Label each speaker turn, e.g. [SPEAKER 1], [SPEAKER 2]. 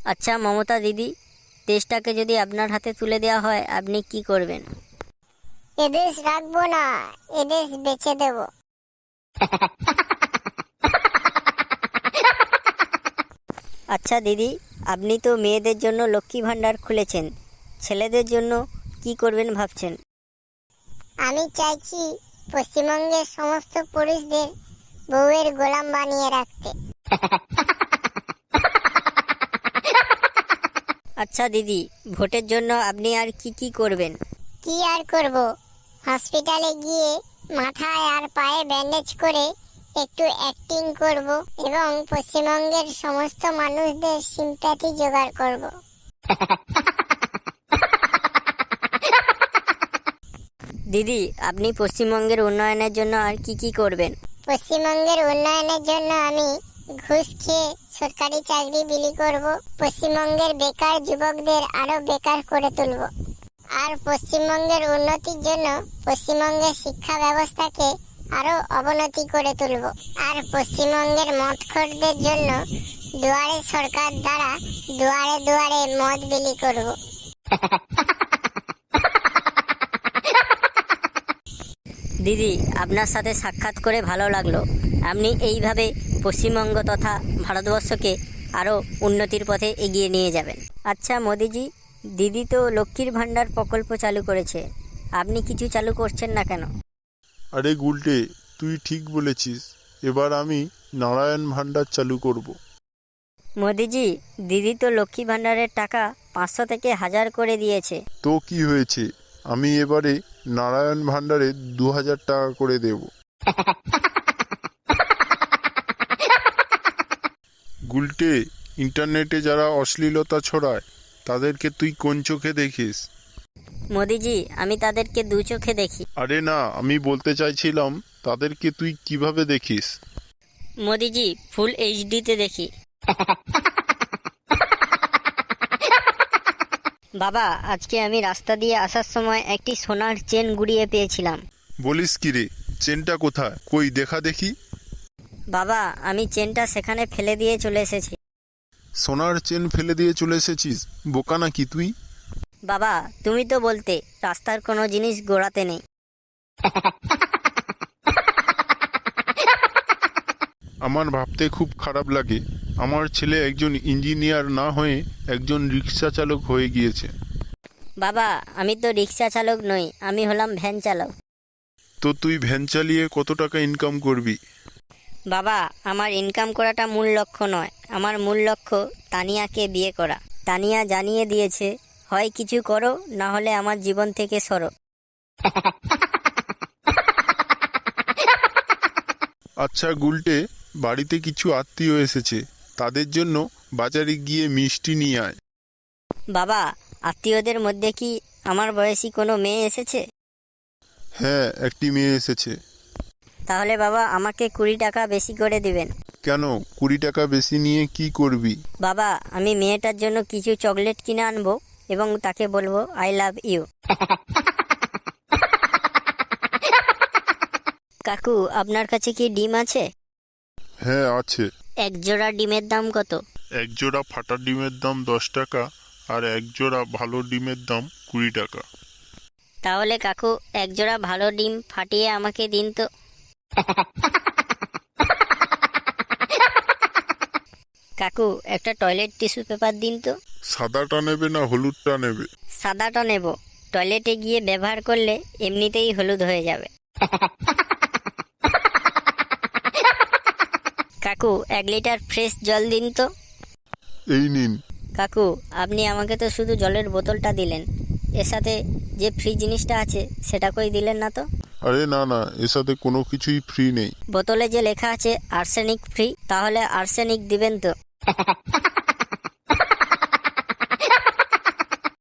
[SPEAKER 1] আচ্ছা মমতা দিদি, দেশটাকে যদি আপনার হাতে তুলে দেওয়া হয় আপনি কি করবেন?
[SPEAKER 2] এদেশ রাখবো না, এদেশ বেচে দেব।
[SPEAKER 1] আচ্ছা দিদি, আপনি তো মেয়েদের জন্য লক্ষ্মী ভাণ্ডার খুলেছেন, ছেলেদের জন্য কি করবেন ভাবছেন?
[SPEAKER 2] আমি চাইছি পশ্চিমবঙ্গের সমস্ত পুরুষদের বউয়ের গোলাম বানিয়ে রাখতে।
[SPEAKER 1] আচ্ছা দিদি, ভোটের জন্য আপনি আর কি কি করবেন?
[SPEAKER 2] কি আর করব, হসপিটালে গিয়ে মাথায় আর পায়ে ব্যান্ডেজ করে একটু অ্যাক্টিং করব এবং পশ্চিমবঙ্গের সমস্ত মানুষদের সিম্প্যাথি জোগাড় করব।
[SPEAKER 1] দিদি, আপনি পশ্চিমবঙ্গের উন্নয়নের জন্য আর কি কি করবেন?
[SPEAKER 2] পশ্চিমবঙ্গের উন্নয়নের জন্য আমি ঘুষ খেয়ে সরকারি চাকরি বিলি করব, পশ্চিমবঙ্গের বেকার যুবকদের আরো বেকার করে তুলব, আর পশ্চিমবঙ্গের উন্নতির জন্য পশ্চিমবঙ্গের শিক্ষা ব্যবস্থাকে আরো অবনতি করে তুলব, আর পশ্চিমবঙ্গের মদখোরদের জন্য দুয়ারে সরকার দ্বারা দুয়ারে দুয়ারে মদ বিলি করব।
[SPEAKER 1] দিদি, আপনার সাথে সাক্ষাৎ করে ভালো লাগলো। আপনি এইভাবে পশ্চিমবঙ্গ তথা ভারতবর্ষকে আরও উন্নতির পথে এগিয়ে নিয়ে যাবেন। আচ্ছা মোদিজি, দিদি তো লক্ষ্মীর ভাণ্ডার প্রকল্প চালু করেছে, আপনি কিছু চালু করছেন না কেন?
[SPEAKER 3] আরে গুলটে, তুই ঠিক বলেছিস। এবার আমি নারায়ণ ভান্ডার চালু করব।
[SPEAKER 1] মোদিজি, দিদি তো লক্ষ্মী ভাণ্ডারের টাকা 500 থেকে 1000 করে দিয়েছে।
[SPEAKER 3] তো কি হয়েছে, আমি এবারে নারায়ণ ভান্ডারে 2000 টাকা করে দেব। গুলটে, ইন্টারনেটে যারা অশ্লীলতা ছড়ায় তাদেরকে তুই কোন চোখে দেখিস?
[SPEAKER 1] মোদিজি, আমি তাদেরকে দু চোখে দেখি।
[SPEAKER 3] আরে না, আমি বলতে চাইছিলাম তাদেরকে তুই কিভাবে দেখিস?
[SPEAKER 1] মোদিজি, ফুল এইচডিতে দেখি। বাবা, আজকে আমি রাস্তা দিয়ে আসার সময় একটি সোনার চেন গুড়িয়ে পেয়েছিলাম।
[SPEAKER 3] বলিস কি রে, চেনটা কোথায়? কই দেখা দেখি।
[SPEAKER 1] বাবা, আমি চেনটা সেখানে ফেলে দিয়ে চলে এসেছি।
[SPEAKER 3] সোনার চেন ফেলে দিয়ে চলে এসেছিস? বোকা নাকি তুই?
[SPEAKER 1] বাবা, তুমি তো বলতে রাস্তার কোনো জিনিস গোড়াতে নেই।
[SPEAKER 3] আমার ভাবতে খুব খারাপ লাগে, আমার ছেলে একজন ইঞ্জিনিয়ার না হয়ে একজন রিক্সা চালক হয়ে গিয়েছে।
[SPEAKER 1] বাবা, আমি তো রিক্সা চালক নই, আমি হলাম ভ্যান চালক।
[SPEAKER 3] তো তুই ভ্যান চালিয়ে কত টাকা ইনকাম করবি?
[SPEAKER 1] বাবা, আমার ইনকাম করাটা মূল লক্ষ্য নয়, আমার মূল লক্ষ্য তানিয়াকে বিয়ে করা। তানিয়া জানিয়ে দিয়েছে, হয় কিছু করো, না হলে আমার জীবন থেকে সরো।
[SPEAKER 3] আচ্ছা গুলটে, বাড়িতে কিছু আত্মীয় এসেছে, তাদের জন্য বাজারে গিয়ে মিষ্টি নিয়ে আয়।
[SPEAKER 1] বাবা, আত্মীয়দের মধ্যে কি আমার বয়সী কোনো মেয়ে এসেছে?
[SPEAKER 3] হ্যাঁ, একটি মেয়ে এসেছে।
[SPEAKER 1] তাহলে বাবা, আমাকে 20 টাকা বেশি করে দিবেন।
[SPEAKER 3] কেন, 20 টাকা বেশি নিয়ে কি করবি?
[SPEAKER 1] বাবা, আমি মেয়েটার জন্য কিছু চকলেট কিনে আনবো এবং তাকে বলবো আই লাভ ইউ। কাকু, আপনার কাছে কি ডিম আছে?
[SPEAKER 3] হ্যাঁ আছে।
[SPEAKER 1] এক জোড়া ডিমের দাম কত?
[SPEAKER 3] এক জোড়া ফাটা ডিমের দাম 10 টাকা, আর এক জোড়া ভালো ডিমের দাম 20 টাকা।
[SPEAKER 1] তাহলে কাকু, এক জোড়া ভালো ডিম ফাটিয়ে আমাকে দিন তো। কাকু, একটা টয়লেট টিস্যু পেপার দিন তো।
[SPEAKER 3] সাদাটা নেবে না হলুদটা নেবে?
[SPEAKER 1] সাদাটা নেব, টয়লেটে গিয়ে ব্যবহার করলে এমনিতেই হলুদ হয়ে যাবে। কাকু, 1 লিটার ফ্রেশ জল দিন তো।
[SPEAKER 3] এই নিন।
[SPEAKER 1] কাকু, আপনি আমাকে তো শুধু জলের বোতলটা দিলেন, এর সাথে যে ফ্রি জিনিসটা আছে সেটা কই দিলেন না তো?
[SPEAKER 3] আরে না না, এর সাথে কোনো কিছুই ফ্রি নেই।
[SPEAKER 1] বোতলে যে লেখা আছে আর্সেনিক ফ্রি, তাহলে আর্সেনিক দিবেন তো?